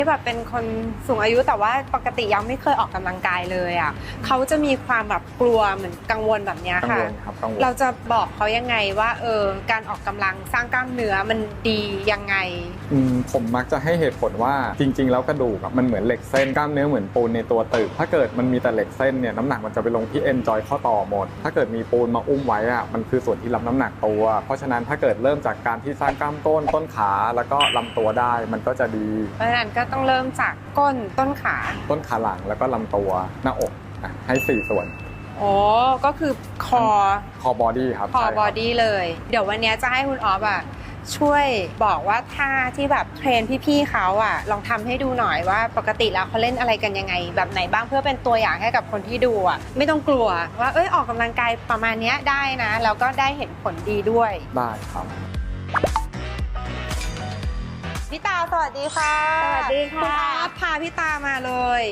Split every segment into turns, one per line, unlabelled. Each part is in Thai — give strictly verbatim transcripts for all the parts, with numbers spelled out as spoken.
ที่แบบเป็นคนสูงอายุแต่ว่าปกติยังไม่เคยออกกำลังกายเลยอ่ะเขาจะมีความแบบกลัวเหมือนกังวลแบบนี้ค่ะเราจะบอกเขายังไงว่าเออการออกกำลังสร้างกล้ามเนื้อมันดียังไง
อืมผมมักจะให้เหตุผลว่าจริงๆแล้วกระดูกมันเหมือนเหล็กเส้นกล้ามเนื้อเหมือนปูนในตัวตึกถ้าเกิดมันมีแต่เหล็กเส้นเนี่ยน้ำหนักมันจะไปลงที่เอ็นจอยข้อต่อหมดถ้าเกิดมีปูนมาอุ้มไว้อ่ะมันคือส่วนที่รับน้ำหนักตัวเพราะฉะนั้นถ้าเกิดเริ่มจากการที่สร้างกล้ามก้นต้นขาแล้วก็ลำตัวได้มันก็จะดี
เพราะฉะนั้นก็ต้องเริ่มจากก้นต้นขา
ต้นขาหลังแล้วก็ลำตัวหน้าอกให้สี่ส่วน
โอ้ก็คือคอ
คอบอดี้ครับ
คอบอดี้เลยเดี๋ยววันนี้จะให้คุณออฟอ่ะช่วยบอกว่าท่าที่แบบเทรนพี่ๆเขาอ่ะลองทำให้ดูหน่อยว่าปกติแล้วเขาเล่นอะไรกันยังไงแบบไหนบ้างเพื่อเป็นตัวอย่างให้กับคนที่ดูอ่ะไม่ต้องกลัวว่าเอ้ยออกกำลังกายประมาณนี้ได้นะแล้วก็ได้เห็นผลดีด้วย
ได้ครับ
พี่ตาสวัสดีค่ะ
สวัสดีค่ะ
คุณออฟพาพี่ตามาเลย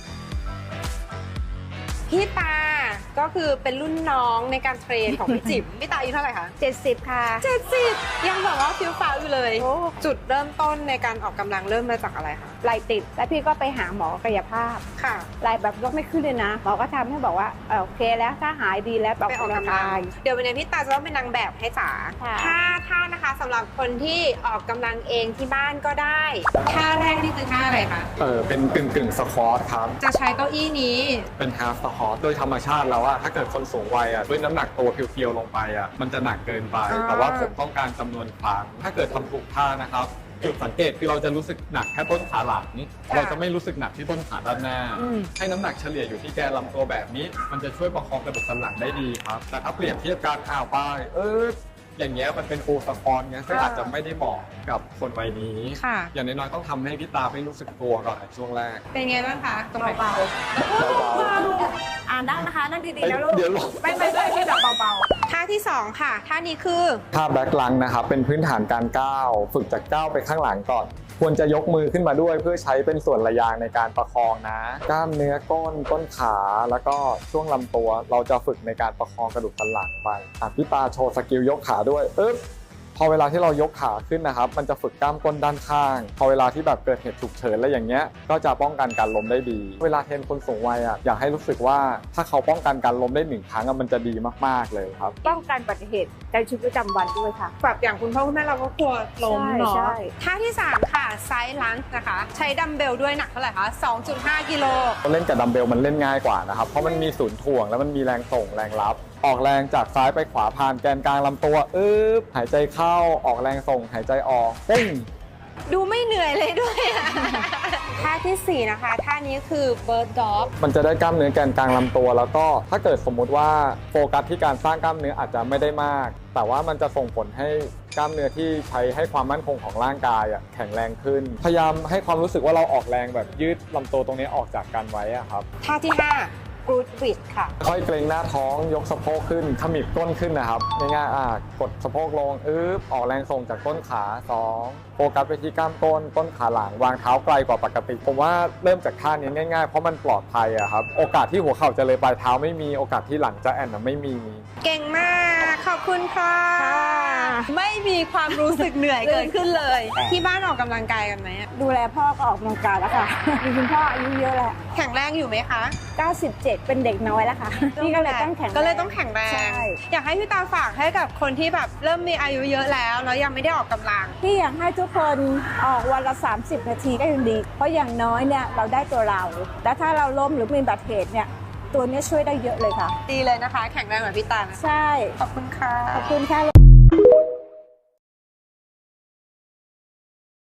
พี่ตาก็คือเป็นรุ่นน้องในการเทรนของพี่จิ๋มพี่ตาอายุเท่าไหร่คะ
เจ็ดสิบค่ะ
เจ็ดสิบยังแบบว่าฟิวฟ้าอยู่เลยจุดเริ่มต้นในการออกกำลังเริ่มมาจากอะไรคะ
ไหล่ติดแล้วพี่ก็ไปหาหมอกายภาพ
ค่ะ
ไหล่แบบยกไม่ขึ้นเลยนะหมอก็ทำให้บอกว่าโอเคแล้วถ้าหายดีแล้ว
ไปออกกำลังเดี๋ยววันนี้พี่ตาจะต้องเป็นนางแบบให้จ๋าท่าท่านะคะสำหรับคนที่ออกกำลังเองที่บ้านก็ได้ท่าแรกนี่คือท่าอะไรคะ
เออเป็นกึ่งกึ่งสควอตครับ
จะใช้เก้าอี้นี้
เป็นฮาล์ฟสควอตโดยธรรมชาติแล้วอะถ้าเกิดคนสูงวัยอะด้วยน้ำหนักตัวเพียวๆลงไปอะมันจะหนักเกินไปแต่ว่าผมต้องการจำนวนครั้งถ้าเกิดทำถูกท่านะครับจุดสังเกตคือเราจะรู้สึกหนักแค่ต้นขาหลังเราจะไม่รู้สึกหนักที่ต้นขาด้านหน้าให้น้ำหนักเฉลี่ยอยู่ที่แกนลำตัวแบบนี้มันจะช่วยประคองกระดูกสันหลังได้ดีครับแต่ถ้าเปรียบเทียบการอ้าวไปเอออย่างเงี้ยมันเป็นโอสควอตเงี้ยซึ่งอาจจะไม่ได้เหมาะกับคนวัยนี้อย่างน้อยๆต้องทำให้พี่ตาไม่รู้สึกตัวก่อนช่วงแรก
เป็นไงบ้างคะตรงไหนเบา
อ่านได้นะคะนั่งดีๆแล้วลูก
เดี๋ยวลง
ไม่ไม่ไม่ที่แบบเบา
ๆท่าที่สองค่ะท่านี้คือ
ท่าแบ็คลังนะครับเป็นพื้นฐานการก้าวฝึกจากก้าวไปข้างหลังก่อนควรจะยกมือขึ้นมาด้วยเพื่อใช้เป็นส่วนระยางในการประคองนะกล้ามเนื้อก้นต้นขาแล้วก็ช่วงลำตัวเราจะฝึกในการประคองกระดูกสันหลังไปอ่ะพี่ตาโชว์สกิลยกขาด้วยอึ๊บพอเวลาที่เรายกขาขึ้นนะครับมันจะฝึกกล้ามก้นด้านข้างพอเวลาที่แบบเกิดเหตุฉุกเฉินอะไรอย่างเงี้ยก็จะป้องกันการล้มได้ดีเวลาเทรนคนสูงวัยอ่ะอยากให้รู้สึกว่าถ้าเขาป้องกันการล้มได้หนึ่งครั้งมันจะดีมากๆเลยครับ
ป้องกันอุบัติเหตุในชีวิตประจำวันด้วยค่ะ
แบบอย่างคุณพ่อคุณแม่เราก็กลัวล้มเนาะท่าที่สามค่ะไซด์ลันจ์นะคะใช้ดัมเบลด้วยหนักเท่าไหร่คะ สองจุดห้า กิโล
เล่นกับดัมเบลมันเล่นง่ายกว่านะครับเพราะมันมีศูนย์ถ่วงแล้วมันมีแรงส่งแรงรับออกแรงจากซ้ายไปขวาผ่านแกนกลางลำตัวอึ๊บหายใจเข้าออกแรงส่งหายใจออกปุ้ง
ดูไม่เหนื่อยเลยด้วยท่าที่สี่นะคะท่านี้คือเบิร์ดด็อก
มันจะได้กล้ามเนื้อแกนกลางลำตัวแล้วก็ถ้าเกิดสมมุติว่าโฟกัสที่การสร้างกล้ามเนื้ออาจจะไม่ได้มากแต่ว่ามันจะส่งผลให้กล้ามเนื้อที่ใช้ให้ความมั่นคงของร่างกายอ่ะแข็งแรงขึ้นพยายามให้ความรู้สึกว่าเราออกแรงแบบยืดลำตัวตรงนี้ออกจากกันไว้อ่ะครับ
ท่าที่ห้ากรูดวิดค่ะ
ค่อยเกรงหน้าท้องยกสะโพกขึ้นขมิบก้นขึ้นนะครับง่ายๆอ่ะกดสะโพกลงอึ๊บออกแรงส่งจากต้นขาสองโฟกัสไปที่กล้ามก้นต้นขาหลังวางเท้าไกลกว่าปกติผมว่าเริ่มจากท่านี้ง่ายๆเพราะมันปลอดภัยอะครับโอกาสที่หัวเข่าจะเลยปลายเท้าไม่มีโอกาสที่หลังจะแอนไม่มี
เก่งมากขอบคุณค่ะไม่มีความรู้สึกเหนื่อยเกิดขึ้นเลยที่บ้านออกกำลังกายกันไหม
ดูแลพ่อก็ออกกำลังกายแล้วค่ะมีคุณพ่ออายุเยอะแล้ว
แข็งแรงอยู่ไหมคะ
เก้าสิบเจ็ดเป็นเด็กน้อยแล้วค่ะนี่ก็เลยต้องแข็ง
ก็เลยต้องแข็งแรงอยากให้พี่ตาฝากให้กับคนที่แบบเริ่มมีอายุเยอะแล้วแล้วยังไม่ได้ออกกำลัง
ที่อยากให้ทุกคนออกวันละสามสิบนาทีก็ยังดีเพราะอย่างน้อยเนี่ยเราได้ตัวเราแล้วถ้าเราล้มหรือมีอุบัติเหตุเนี่ยตัวนี้ช่วยได้เยอะเลยค่ะ
ดีเลยนะคะแข็งแรงเหมือนพี่ตา
ใช่
ขอบคุณค่ะ
ขอบคุณค่ะ